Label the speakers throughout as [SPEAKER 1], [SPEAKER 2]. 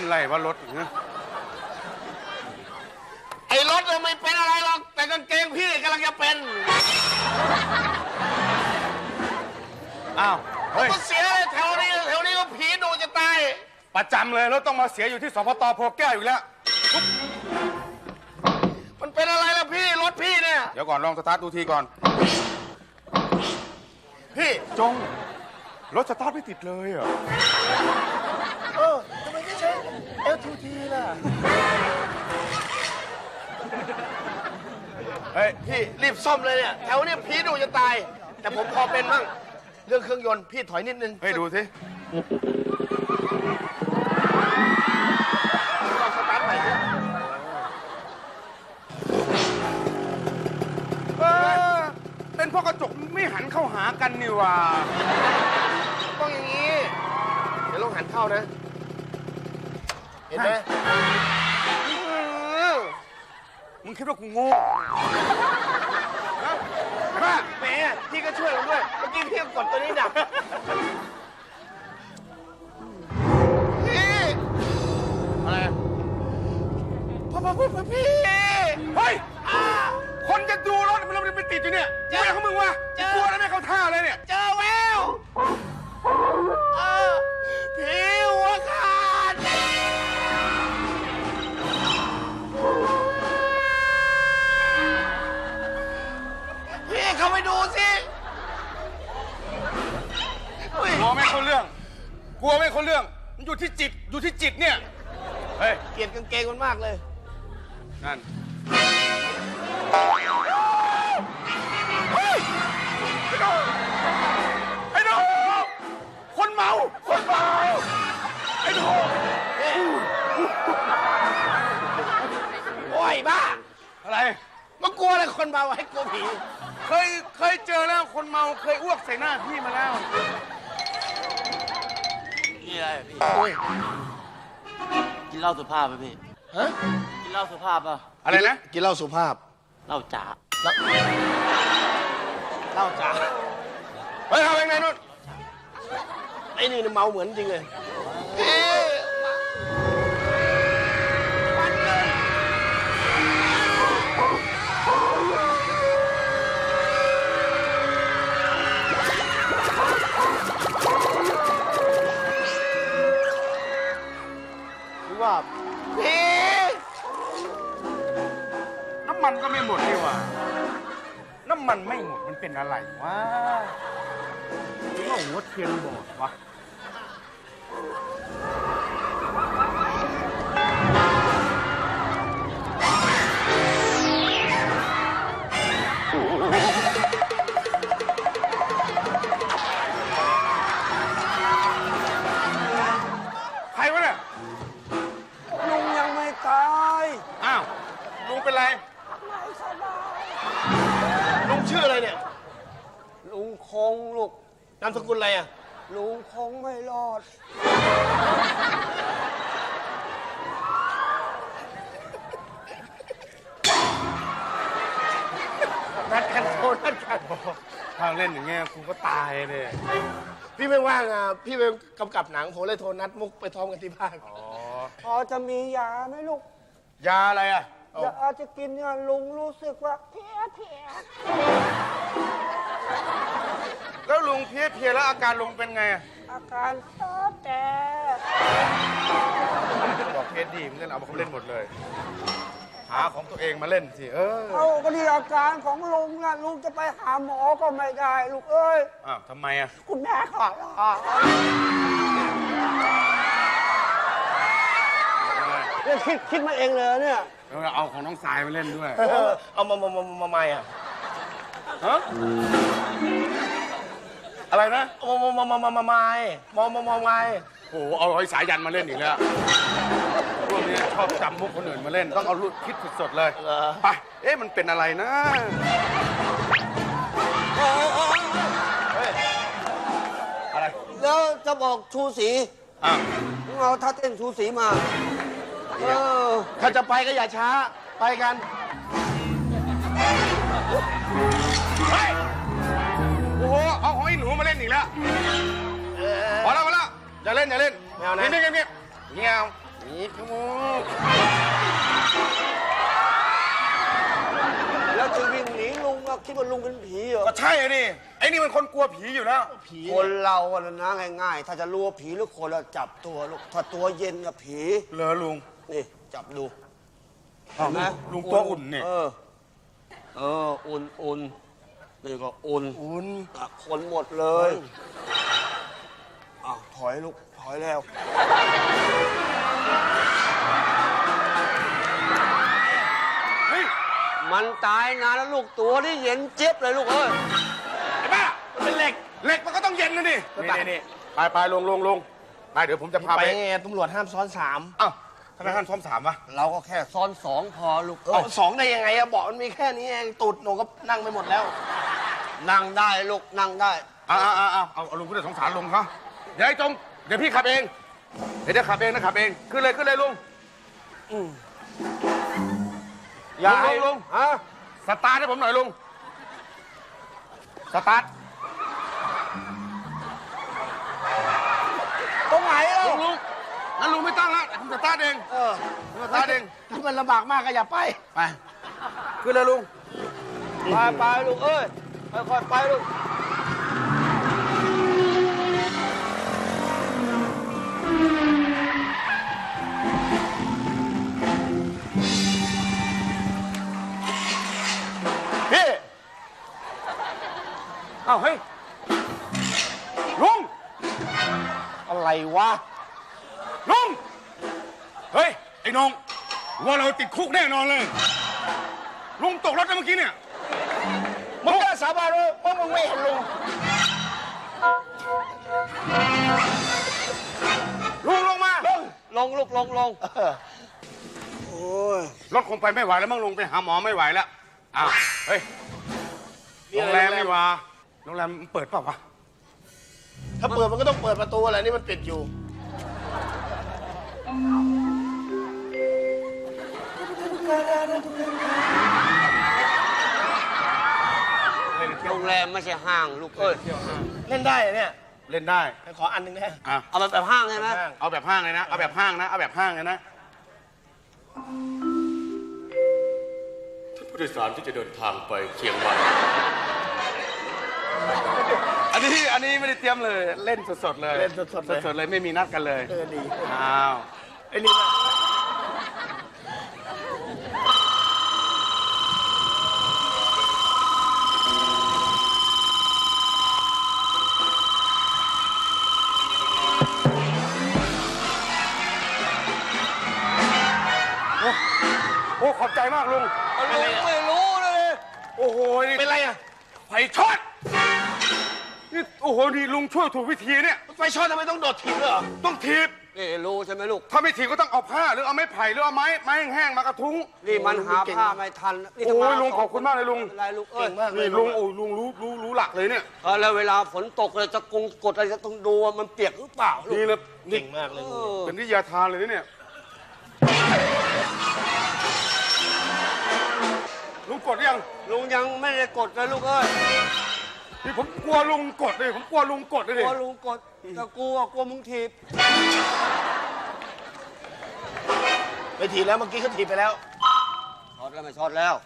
[SPEAKER 1] ไรว่ารถเนี่ย
[SPEAKER 2] ไอ้รถไม่เป็นอะไรหรอกแต่กางเกงพี่กำลังจะเป็น
[SPEAKER 1] อ้าวเฮ้ย
[SPEAKER 2] ก็เสียเลยแถวนี้ก็ผีดูจะตาย
[SPEAKER 1] ประจำเลยรถต้องมาเสียอยู่ที่สพต.โพแก้วอยู่แล้ว
[SPEAKER 2] มันเป็นอะไรล่ะพี่รถพี่เนี่ย
[SPEAKER 1] เดี๋ยวก่อนลองสตาร์ทดูทีก่อน
[SPEAKER 2] พี่
[SPEAKER 1] จงรถสตาร์ทไม่ติดเลยอ่ะ
[SPEAKER 2] ทำไมไม่ใช่ L2T ล่ะ
[SPEAKER 1] เฮ้ย
[SPEAKER 2] พี่รีบซ่อมเลยเนี่ยแถวนี้ผีดูจะตาย แต่ผมพอเป็นมั่งเรื่องเครื่องยนต์พี่ถอยนิดนึง
[SPEAKER 1] ให้ดูสิ
[SPEAKER 2] ลองสตาร์ทใหม่ดิ
[SPEAKER 1] เป็นเพราะกระจกไม่หันเข้าหากันนี่หว่า
[SPEAKER 2] ต้องอย่างนี้ เดี๋ยวลองหันเข้านะ เห็นไหม
[SPEAKER 1] มึงคิดว่ากูโง่ฮะ
[SPEAKER 2] แหมพี่ก็ช่วยผมด้วยเมื่อกี้พี่ก็กดตัวนี้ดับพี่
[SPEAKER 1] อะไร
[SPEAKER 2] พี่
[SPEAKER 1] เฮ้ย คนจะดูรถมันไปติดอยู่เนี่ยอะไรของมึงวะกลัวแล้วไม่เข้าท่าเลยเนี่ย
[SPEAKER 2] เจอแววผีหัวขาดพี่เข้าไปดูสิ
[SPEAKER 1] กลัวไม่เข้าเรื่อง กลัวไม่เข้าเรื่อง มันอยู่ที่จิต อยู่ที่จิตเนี่ย เฮ้ย
[SPEAKER 2] เกลียดกางเกงมันมากเลย
[SPEAKER 1] นั่น ไอ้หนูคนเมา คนเมา ไอ้หนู
[SPEAKER 2] โอ้ยบ้า
[SPEAKER 1] อะไร
[SPEAKER 2] มันกลัวอะไรคนเมาให้กลัวผี
[SPEAKER 1] เคยเจอแล้วคนเมา เคยอ้วกใส่หน้าพี่มาแล้ว
[SPEAKER 3] นี่อะไรอะพี่
[SPEAKER 2] โอ้ย
[SPEAKER 3] กินเหล้าสุภาพป่ะพี่
[SPEAKER 2] ฮะ
[SPEAKER 3] กินเหล้าสุภาพป่ะ
[SPEAKER 1] อะไรนะ
[SPEAKER 2] กินเหล้าสุภาพ
[SPEAKER 3] เหล้าจ๋า
[SPEAKER 2] เหล้าจ๋า
[SPEAKER 1] เฮ้ยเอาไปไหนนู่น
[SPEAKER 2] ไอ้นี่เมาเหมือนจริงเลยว่าพี่
[SPEAKER 1] น้ำมันก็ไม่หมดนี่หว่า น้ำมันไม่หมดมันเป็นอะไรวะหรือว่าหัวเทียนบอดวะ ใครวะเนี่ย
[SPEAKER 4] ลุงยังไม่ตาย
[SPEAKER 1] อ้าว ลุงเป็นไร
[SPEAKER 2] ลุงชื่ออะไรเนี่ย
[SPEAKER 4] ลุงคงลูก
[SPEAKER 2] นามสกุลอะไรอ่ะ
[SPEAKER 4] ลุงคงไม่รอด
[SPEAKER 2] นัดกันโทรนัดกัน
[SPEAKER 1] ถ้าเล่นอย่างเงี้ยกูก็ตายเลย
[SPEAKER 2] พี่ไม่ว่างอ่ะ พี่ไปกำกับหนังผมเลยโทรนัดมุกไปท้องกันที่บ้าน
[SPEAKER 1] อ๋อ
[SPEAKER 4] พอจะมียาไหมลูก
[SPEAKER 1] ยาอะไรอ่ะ
[SPEAKER 4] ยาจะกินเนี่ยลุงรู้สึกว่าเพี้ยเพี้ย
[SPEAKER 1] แล้วลุงเพลียแล้วอาการลุงเป็นไงอะ
[SPEAKER 4] อาการเต้อแต่
[SPEAKER 1] บอกเพจดีมันเล่นเอาเขาเล่นหมดเลย หาของตัวเองมาเล่นสิ
[SPEAKER 4] เอาก็ที่อาการของลุงนะลุงจะไปหาหมอก็ไม่ได้ลูกเอ้ย
[SPEAKER 1] อ้าวทำไมอ่ะ
[SPEAKER 4] คุณแม่ขอลาเนี่ยคิดมาเองเลยเนี่ย
[SPEAKER 1] แล้วเอาของน้องสายมาเล่นด้วย
[SPEAKER 2] เอามาไม่อ่ะ
[SPEAKER 1] ฮะ อะไรนะ
[SPEAKER 2] เอาไม่
[SPEAKER 1] โอ้โหเอาไอ้สายยันมาเล่นอีกแล้วพวกนี้ชอบจำมุกคนอื่นมาเล่น ต้องเอาคิดสดๆเลย ไป เอ๊ะ มันเป็นอะไรนะ อะไร
[SPEAKER 4] แล้วจะบอกชูศรี
[SPEAKER 1] อ้าว
[SPEAKER 4] เอาท่าเต้นชูศรีมา
[SPEAKER 2] ถ้าจะไปก็อย่าช้า ไปกัน
[SPEAKER 1] เฮ้ย โอ้โห เอาของไอ้หนูมาเล่นอีกแล้วพอแล้วอย่าเล่น
[SPEAKER 2] ไม่เอานะ
[SPEAKER 1] เงียบเงียบ
[SPEAKER 2] นี่ขโมย
[SPEAKER 4] แล้วจะวิ่งหนีลุงอะคิดว่าลุงเป็นผีเหรอ
[SPEAKER 1] ก็ใช่อะดิไอ้นี่มันคนกลัวผีอยู่แล้ว
[SPEAKER 2] ผี
[SPEAKER 4] คนเราอะนะง่ายๆ ถ้าจะรู้ว่าผีหรือคนเราจับตัวลูกถ้าตัวเย็นกับผี
[SPEAKER 1] เหรอลุง
[SPEAKER 4] นี่จับดู
[SPEAKER 1] อ้าว
[SPEAKER 4] เห็นไหม
[SPEAKER 1] ลุงตัวอุ่นเนี่ย
[SPEAKER 4] อุ่นนี่ก็อุ่น
[SPEAKER 2] อุ่น
[SPEAKER 4] คนหมดเลยอ้าวถอยลูกถอยแล้ว
[SPEAKER 1] เฮ้ย
[SPEAKER 4] มันตายนานแล้วลูกตัวนี่เย็นเจี๊ยบเลยลูกเอ้ย
[SPEAKER 1] ไอ้บ้ามันเป็นเหล็กเหล็กมันก็ต้องเย็นนะดินี่ไปลงไปเดี๋ยวผมจะพา
[SPEAKER 2] ไป
[SPEAKER 1] ไป
[SPEAKER 2] ไงตำรวจห้ามซ้อนสาม
[SPEAKER 1] อ้าวทำไมท่านซ้อมสามวะ
[SPEAKER 4] เราก็แค่ซ้อนสองพอลูก
[SPEAKER 2] เอาสองได้ยังไงอะเบาะมันมีแค่นี้เองตูดหนูก็นั่งไปหมดแล้ว
[SPEAKER 4] นั่งได้ลูกนั่งได้
[SPEAKER 1] เอาลุงผู้โดยสงสารลุงเขาเดี๋ยวไอ้จงเดี๋ยวพี่ขับเองเดี๋ยวขับเองนะขับเองขึ้นเลยลุงอย่าให้ลุง
[SPEAKER 4] ฮะ
[SPEAKER 1] สตาร์ทให้ผมหน่อยลุงสตาร์ท
[SPEAKER 4] ตรงไหนเล่า
[SPEAKER 1] ลุงงั้นลุงไม่ต้องละผมสตาร์ทเองผมสตาร์ทเอง
[SPEAKER 2] ถ้ามันลำบากมากก็อย่าไป
[SPEAKER 1] ไปขึ้นเลยลุง
[SPEAKER 4] ไปลูกเอ้ยค่อยๆไปลูก
[SPEAKER 1] พี่เอ้าเฮ้ยลุง
[SPEAKER 2] อะไรวะ
[SPEAKER 1] ลุงเฮ้ยไอ้น้องว่าเราติดคุกแน่นอนเลยลุงตกรถแล้วเมื่อกี้เนี่ย
[SPEAKER 2] มึงกล้าสาบานเลยว่ามึงไม่เห็นลุง
[SPEAKER 1] ลุงลงมา
[SPEAKER 4] ลงลูกลงโอ้ย
[SPEAKER 1] รถคงไปไม่ไหวแล้วมั้งลุงไปหาหมอไม่ไหวแล้วอ้าวเฮ้ยโรงแรมนี่วะโรงแรมมันเปิดเปล่าวะ
[SPEAKER 2] ถ้าเปิดมันก็ต้องเปิดประตูอะไรนี่มันปิดอยู่
[SPEAKER 4] โรงแรมไม่ใช่ห้างลูกเอ้ย
[SPEAKER 2] เล่นได้เหรอเนี่ย
[SPEAKER 1] เล่นได้
[SPEAKER 2] ขออันหนึ่งนะ
[SPEAKER 1] อ่ะ
[SPEAKER 4] เอาแบบห้างใช่ไหม
[SPEAKER 1] เอาแบบห้างเลยนะเอาแบบห้างนะเอาแบบห้างเลยนะผู้โดยสารที่จะเดินทางไปเชียงใหม่อันนี้ไม่ได้เตรียมเลยเล่นสดๆเลย
[SPEAKER 2] เล่นสดๆเลย
[SPEAKER 1] สดๆเลยไม่มีนัดกันเลย
[SPEAKER 2] ดี
[SPEAKER 1] อ้าว
[SPEAKER 2] ไอ้นี่นะ
[SPEAKER 1] โอ้ขอบใจมากลุง
[SPEAKER 4] ลุงไม่รู้เลย
[SPEAKER 1] โอ้โหนี่
[SPEAKER 2] เป็นไรอะ
[SPEAKER 1] ไฟช็อตนี่โอ้โหนี่ลุงช่วยถูกวิธีเนี่ย
[SPEAKER 2] ไฟช็อตทำไมต้องโดดถีบด้วยเหรอ
[SPEAKER 1] ต้องถีบ
[SPEAKER 4] นี่รู้ใช่ไหมลูก
[SPEAKER 1] ถ้าไม่ถีบก็ต้องเอาผ้าหรือเอาไม้ไผ่หรือเอาไม้แห้งๆมากระทุ้ง
[SPEAKER 4] นี่มันหาผ้าไม่ทันนี่
[SPEAKER 1] โอ้
[SPEAKER 4] ถ้าย
[SPEAKER 1] ลุงขอบคุณมากเลยลุง
[SPEAKER 4] ไม่เป็นไรลูกเอ้ย
[SPEAKER 2] เก่งมากเลย
[SPEAKER 1] นี่ลุงโอ้ยลุงรู้หลักเลยเนี่ย
[SPEAKER 4] แล้วเวลาฝนตกเลยจะกดอะไรจะต้องดูว่ามันเปียกหรือเปล่าลูก
[SPEAKER 1] นี่นะ
[SPEAKER 2] เก่งมากเลย
[SPEAKER 4] เอ
[SPEAKER 2] ลุง
[SPEAKER 4] อ
[SPEAKER 1] เป็นวิทยาทานเลยนะเนี่ยลุงกดยัง
[SPEAKER 4] ลุงยังไม่ได้กดเลยลูกเอ้ย
[SPEAKER 1] นี่ผมกลัวลุงกดเลยผมกลัวลุงกดเลย
[SPEAKER 4] ก
[SPEAKER 1] ดิ
[SPEAKER 4] ลัวลุงกดแต่กลัวมึงถีบ
[SPEAKER 2] ไปถีบแล้วเมื่อกี้เขาถีบไปแล้ว
[SPEAKER 4] ช็อตแล้วไม่ช็อตแล้ว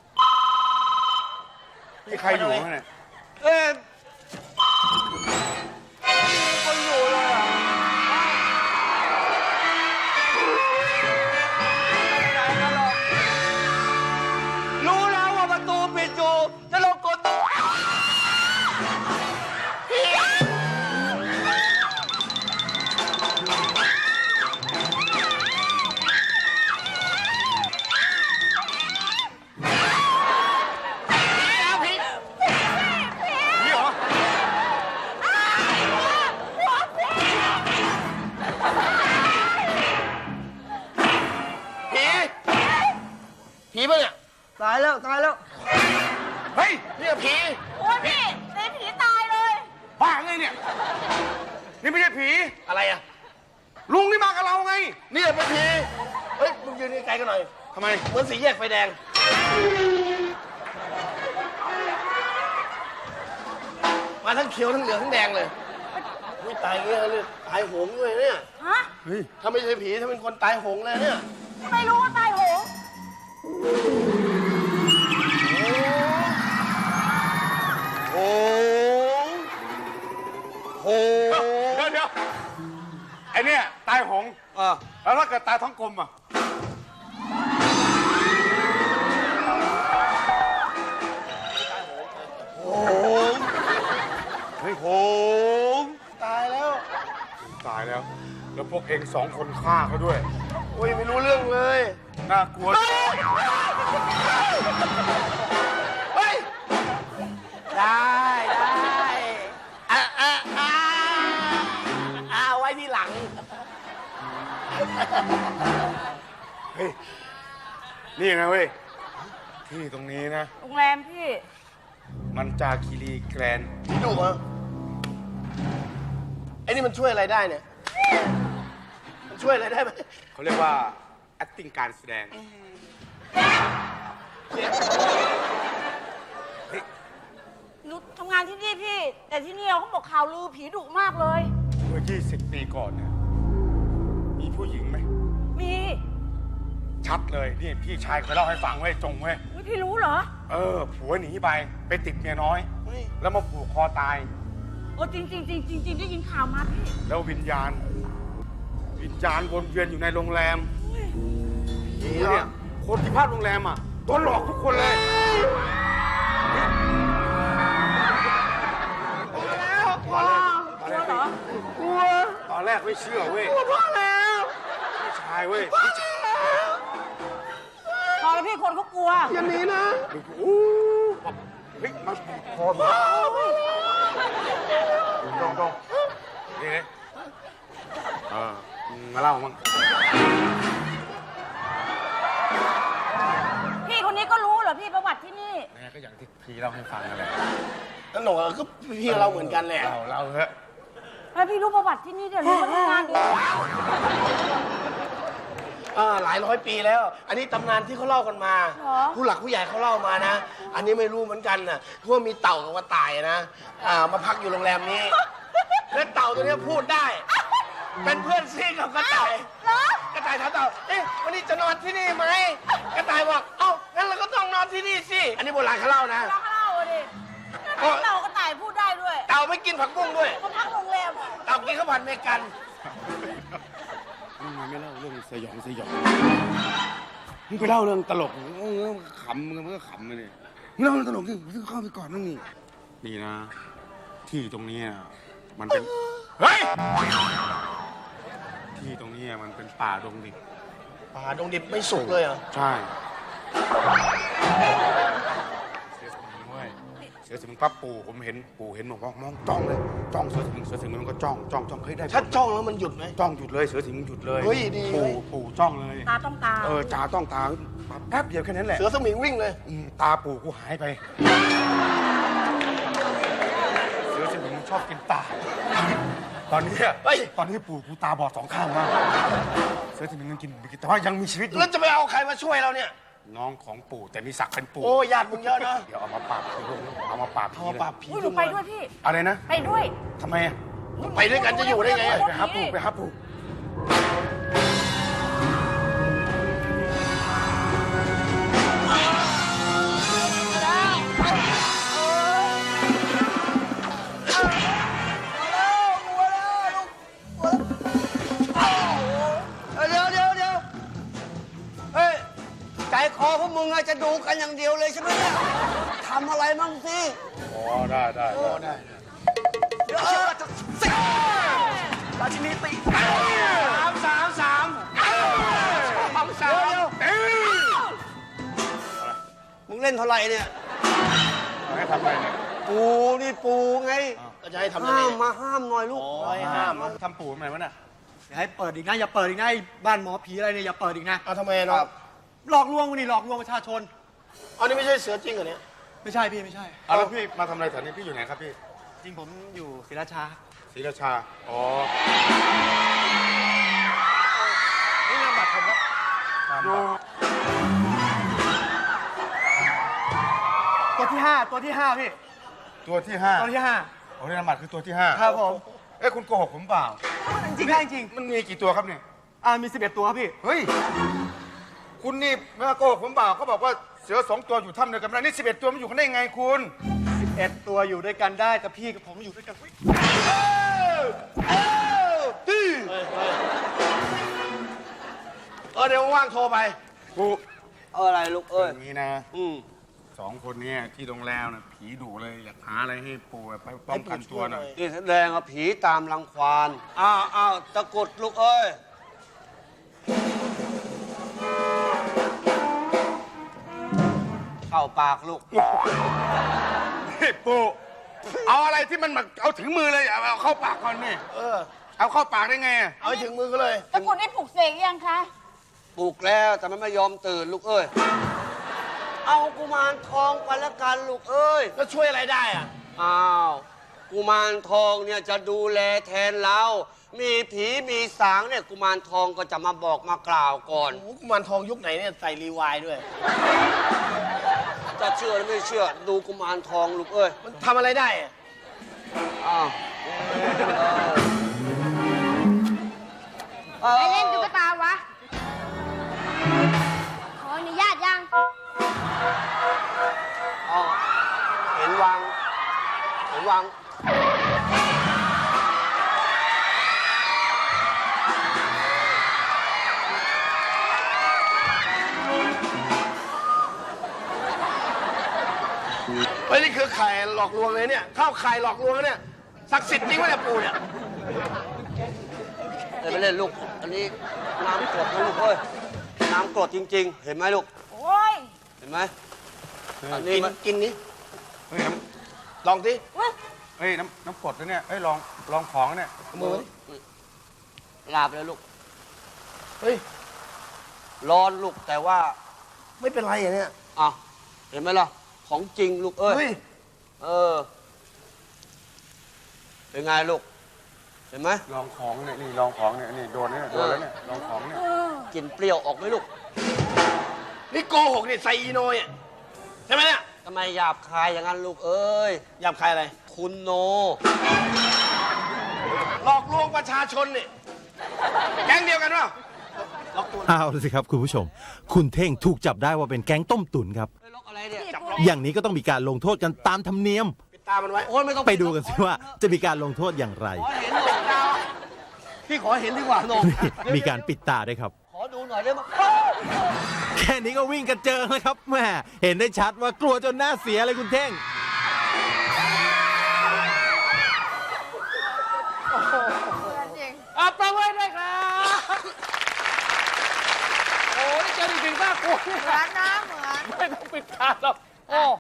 [SPEAKER 1] มีใครอยู่ข้างใน
[SPEAKER 4] เอ๊ะมีคนอยู่เลยอ่ะไม่ไหนกันหรอกรู้แล้วว่าประตูปิดอยู่จะลงกดตู้
[SPEAKER 1] นี่เหรอ
[SPEAKER 2] ผี ผีปะเนี่ย
[SPEAKER 4] ตายแล้วตายแล้ว
[SPEAKER 1] เฮ้ย
[SPEAKER 2] เนี่ยผี
[SPEAKER 5] โอ้ยพี่เป็นผีตายเลย
[SPEAKER 1] บ้าไงเนี่ยนี่ไม่ใช่ผี
[SPEAKER 2] อะไรอะ
[SPEAKER 1] ลุงนี่มากับเราไง
[SPEAKER 2] เนี่ยเป็นผี เฮ้ย มึงยืนไกลๆกันหน่อย
[SPEAKER 1] ทำไม
[SPEAKER 2] เหมือนสีแยกไฟแดง มาทั้งเขียวทั้งเหลืองทั้งแดงเลยอุ้ยตายเงี้ยเลยตายโหงด้วยเนี่ย
[SPEAKER 5] ฮะ
[SPEAKER 1] เฮ้ย
[SPEAKER 2] ถ้าไม่ใช่ผีถ้าเป็นคนตายโหงเลยเนี่ย
[SPEAKER 5] ไม่รู้ว่าตายโหง
[SPEAKER 2] โหงโหง
[SPEAKER 1] เดี๋ยวไอเนี่ยตายหง แล้วถ้าเกิดตายท้องกลมอ่ะ
[SPEAKER 2] โหง
[SPEAKER 1] เฮ้ย
[SPEAKER 2] โหงตายแล้ว
[SPEAKER 1] ตายแล้ว แล้วพวกเองสองคนฆ่าเขาด้วย
[SPEAKER 2] โอ้ยไม่รู้เรื่องเลย
[SPEAKER 1] น่ากลัว
[SPEAKER 2] เฮ้ย
[SPEAKER 4] ได้ไว้ที่หลัง
[SPEAKER 1] เฮ้ย นี่นะเว้ย ที่ตรงนี้นะ
[SPEAKER 5] โรงแรมพี่
[SPEAKER 1] มันจาคีรีแกรนด์
[SPEAKER 2] ผีดุเหรอไอ้นี่มันช่วยอะไรได้เนี่ย มันช่วยอะไรได้ไหม
[SPEAKER 1] เขาเรียกว่า acting การแสดง
[SPEAKER 5] หนูทำงานที่นี่พี่ แต่ที่นี่เขาบอกข่าวลือผีดุมากเลย
[SPEAKER 1] เมื่อ 20 ปีก่อนเนี่ย มีผู้หญิงไหม
[SPEAKER 5] มี
[SPEAKER 1] ชัดเลย นี่พี่ชายเคยเล่าให้ฟังเว้ย จงเว้ย
[SPEAKER 5] อุ๊ยพี่รู้เหรอ
[SPEAKER 1] ผัวหนีไปติดเมียน้อย แล้วมาผูกคอตาย
[SPEAKER 5] โอ้จริงได้ยินข่าวมาพี่
[SPEAKER 1] แล้ววิญญาณวนเวียนอยู่ในโรงแรมเนี่ยคนที่พักโรงแรมอ่ะโดนหลอกทุกคนเลย ตอนแรกไม่เชื่อเว้ยพี่ชายเว้ยพี่ชาย
[SPEAKER 5] พอแล้วพี่คนเขากลัว
[SPEAKER 2] อย่าหนีนะ
[SPEAKER 1] อู้เฮ้ยมาผูกคอมาดองนี่มาเล่ามั้ง
[SPEAKER 5] พี่คนนี้ก็รู้เหรอพี่ประวัติที่นี่
[SPEAKER 1] แม่ก็อย่างที่พี่เล่าให้ฟังนั่นแหละ
[SPEAKER 2] นั่นหนูก็พี่เราเหมือนกันแหละ
[SPEAKER 1] เล่าเถอะ
[SPEAKER 5] แล้วพี่รู้ประวัติที่นี่เดี๋ยวรู้ว่าทำงานดี
[SPEAKER 2] หลายร้อยปีแล้ว อันนี้ตำนานที่เขาเล่ากันมา ผู้หลักผู้ใหญ่เขาเล่ามานะ อันนี้ไม่รู้เหมือนกันนะว่ามีเต่ากับกระต่ายนะมาพักอยู่โรงแรมนี้ และเต่าตัวนี้พูดได้ เป็นเพื่อนซีกับกระต่าย กระต่ายถามเต่า เอ๊ะวันนี้จะนอนที่นี่ไหม กระต่ายบอก เอ้า งั้นเราก็ต้องนอนที่นี่สิ อันนี้โบราณเขาเล่านะ
[SPEAKER 5] เราเล่าดิเรากระต่ายพูดได้ด้วย
[SPEAKER 2] เต่าไม่กินผักบุ้งด้วย
[SPEAKER 5] เขาพักโรงแรม
[SPEAKER 2] เต่ากินข้าวผัดเมกัน
[SPEAKER 1] มึงไม่เล่าเรื่องสยองมึงไปเล่าเรื่องตลกขำมึงก็ขำเลยมึงเล่าเรื่องตลกดิมึงเข้าไปก่อนนั่งนี่นะ ที่ตรงนี้มันเป็น เฮ้ย ที่ตรงนี้มันเป็นป่าดงดิบ
[SPEAKER 2] ป่าดงดิบไม่สุกเลยเหรอ
[SPEAKER 1] ใช่เสือสมิงปั๊บปู่ผมเห็นบอกว่ามองจ้องเลยจ้องเสือสมิงมันก็จ้องเฮ้ยได้
[SPEAKER 2] ถ้าจ้องแล้วมันหยุดไหม
[SPEAKER 1] จ้องหยุดเลยเสือสมิงหยุดเลย
[SPEAKER 2] เฮ้ยดีเว้ย
[SPEAKER 1] ปู่จ้องเลย
[SPEAKER 5] ตาต้องตา
[SPEAKER 1] จ่าต้องตาแป๊บเดียวแค่นั้นแหละ
[SPEAKER 2] เสือสมิงวิ่งเลย
[SPEAKER 1] ตาปู่กูหายไปเสือสมิงชอบกินตาตอนนี้ปู่กูตาบอด2 ข้างแล้วเสือสมิงมันกินแต่ว่ายังมีชีวิตอยู่
[SPEAKER 2] แล้วจะไปเอาใครมาช่วยเราเนี่ย
[SPEAKER 1] น้องของปู่แต่มีศักดิ์เป็นปู่
[SPEAKER 2] โอ้ญาติมึงเยอะนะ
[SPEAKER 1] เดี๋ยวเอามาปราบผีเอามาปราบผี
[SPEAKER 2] เอามาปราบผี
[SPEAKER 5] อุ้ยหนูไปด้วยพี่
[SPEAKER 1] อะไรนะ
[SPEAKER 5] ไปด้วย
[SPEAKER 1] ทำไมอะ
[SPEAKER 2] ไปด้วยกันจะอยู่ได้ไง
[SPEAKER 1] ไปหาปู่
[SPEAKER 4] เดี๋ยวเฮ้ย ใจคอพวกมึงจะดูกันอย่างเดียวเลยใช่ไหมเนี่ยทำอะไรมั่งสิ
[SPEAKER 1] อ๋อได้
[SPEAKER 4] เดี๋ยวราชินีตีสามมึงเล่นเท่าไหร่เนี่ย
[SPEAKER 1] ให้ทำอะไรเนี่ย
[SPEAKER 4] ปูนี่ปูไง
[SPEAKER 2] ก็จะให้ทำยังไง
[SPEAKER 4] ห้ามหน่อยลูก
[SPEAKER 1] ห้ามทำปู่ทำไมวะน่ะ
[SPEAKER 6] อย่าให้เปิดอีกนะ อย่าเปิดอีกนะไอ้บ้านหมอผีอะไรเนี่ยอย่าเปิดอีกนะ
[SPEAKER 2] เอาทำไมน้อง
[SPEAKER 6] หลอกลวงนี่หลอกลวงประชาชน
[SPEAKER 2] อันนี้ไม่ใช่เสือจริงเหรอเนี่ย
[SPEAKER 6] ไม่ใช่พี่ไม่ใช่
[SPEAKER 1] เอาแล้วพี่มาทำอะไรแถวนี้พี่อยู่ไหนครับพี่
[SPEAKER 6] จริงผมอยู่ศรีราชา
[SPEAKER 1] ศรีราชาอ๋อ
[SPEAKER 6] นี่นามบัตรผมครับ
[SPEAKER 1] อยู่
[SPEAKER 6] ตัวที่ห้าพี่
[SPEAKER 1] ตัวที่ 5
[SPEAKER 6] ตัวที่ห้า
[SPEAKER 1] โอ้ยนามบัตรคือตัวที่ 5
[SPEAKER 6] ครับผม
[SPEAKER 1] ไปอ้ยคุณโกหกผมเปล่า
[SPEAKER 6] จริงได้จริง
[SPEAKER 1] มันมีกี่ตัวครับเนี่ย
[SPEAKER 6] มี 11 ตัวครับพี่
[SPEAKER 1] เฮ้ย คุณนี่ไม่ว่าโกหกผมเปล่าเขาบอกว่าเสือ2 ตัวอยู่ถ้ำเดียวกันไม่ได้นี่11 ตัวมันอยู่กันได้ยังไงคุณ
[SPEAKER 6] 11 ตัวอยู่ด้วยกันได้แต่พี่กับผมอยู่ด้วยกันอุ๊ย
[SPEAKER 2] เดี๋ยวว่างๆโทรไป
[SPEAKER 1] กู
[SPEAKER 4] เอาอะไรลูกเอ้ย
[SPEAKER 1] อย่างนี้นะ2 คนเนี้ที่โรงแรมนะผีดุเลยอยากหาอะไรให้ปูไปป้องกันตัวหน่อย
[SPEAKER 4] นี่แสดงว่าผีตามรังควานอ้าวตะกรุดลูกเอ้ย เข้าปากลูก
[SPEAKER 1] นี่ปูเอาอะไรที่มันแบบเอาถึงมือเลยเอาเข้าปากก่อนนี่ เอาเข้าปากได้ไงอะ
[SPEAKER 2] เอาให้ถึงมือก็เลย
[SPEAKER 5] ตะกรุดได้ปลุกเสกยังคะ
[SPEAKER 4] ปลุกแล้วแต่มันไม่ยอมตื่นลูกเอ้ย เอากุมารทองไปละกันลูกเอ้ย
[SPEAKER 2] แล้วช่วยอะไรได้อ่ะ
[SPEAKER 4] อ้าวกุมารทองเนี่ยจะดูแลแทนเรา มีผีมีสางเนี่ยกุมารทองก็จะมาบอกมากล่าวก่อน
[SPEAKER 2] โอ้โหกุมารทองยุคไหนเนี่ยใส่รีวายด้วย
[SPEAKER 4] จะเชื่อหรือไม่เชื่อดูกุมารทองลูกเอ้ย
[SPEAKER 2] มันทำอะไรได้อะ
[SPEAKER 4] อ้าว
[SPEAKER 7] ไปเล่นตุ๊กตาวะ ขออนุญาตยัง
[SPEAKER 4] อ้าวเห็นวาง
[SPEAKER 2] เฮ้ยนี่คือไข่หลอกลวงเลยเนี่ย เข้าไข่หลอกลวงเนี่ย ศักดิ์สิทธิ์จริงวะเนี่ยปู่เนี่ย
[SPEAKER 4] เดี๋ยวไปเล่นลูก อันนี้น้ำกรดนะลูกเอ้ย น้ำกรดจริง ๆ เห็นไหมลูก
[SPEAKER 5] โอ้ย
[SPEAKER 4] เห็นไหมอันนี้
[SPEAKER 2] กิน
[SPEAKER 4] มัน
[SPEAKER 2] กินนี้
[SPEAKER 1] เฮ้ย
[SPEAKER 2] ลองสิ
[SPEAKER 1] เฮ้ยน้ำกรดนะเนี่ยเฮ้ยลองของเนี่ย
[SPEAKER 2] เอามือมาดิ
[SPEAKER 4] ลาบเลยลูก
[SPEAKER 2] เฮ้ย
[SPEAKER 4] ร้อนลูกแต่ว่า
[SPEAKER 2] ไม่เป็นไรอ่ะเนี่ย
[SPEAKER 4] อ่ะเห็นไหมล่ะ ของจริงลูกเอ้ย
[SPEAKER 2] เฮ้ย
[SPEAKER 4] เออ เป็นไงลูก เห็นไหม
[SPEAKER 1] ลองของเนี่ยนี่ลองของเนี่ยนี่โดนเนี่ยโดนแล้วเนี่ยลองของเนี่ย
[SPEAKER 4] กลินเปรี้ยวออกไหมลูก
[SPEAKER 2] นี่โกหกเนี่ยใส่อีโนยอ่ะใช่ไหมเนี่ย
[SPEAKER 4] ทำไมหยาบคายอย่างนั้นลูกเอ้ย
[SPEAKER 2] หยาบคายอะไร
[SPEAKER 4] คุณโน
[SPEAKER 2] หลอกลวงประชาชนเนี่ยแก๊งเดียวกันเปล่า
[SPEAKER 8] เอาละสิครับคุณผู้ชม คุณเท่งถูกจับได้ว่าเป็นแก๊งต้มตุ๋นครับ
[SPEAKER 4] เฮ้ยล็อกอะไรเนี่ย
[SPEAKER 8] อย่างนี้ก็ต้องมีการลงโทษกันตามธรรมเนียม
[SPEAKER 2] ปิดตามันไว้
[SPEAKER 4] โอ้ยไม่ต้อง
[SPEAKER 8] ไปดูกันสิว่าจะมีการลงโทษอย่างไร
[SPEAKER 4] ขอเห็นหน่อยดาวพี่ขอเห็นดีกว่าโหนง
[SPEAKER 8] มีการปิดตาด้วยครับ
[SPEAKER 4] ขอดูหน่อยได้ไหม
[SPEAKER 8] แค่นี้ก็วิ่งกันเจอแล้วครับแม่เห็นได้ชัดว่ากลัวจนหน้าเสียเลยคุณเท่ง
[SPEAKER 3] ประเวทด้วยครับ โอ้ยเจอจริงๆมากกลัว
[SPEAKER 5] เหมือนนะเหมือน
[SPEAKER 3] ไม่ต้องปิดตาหรอกโอ้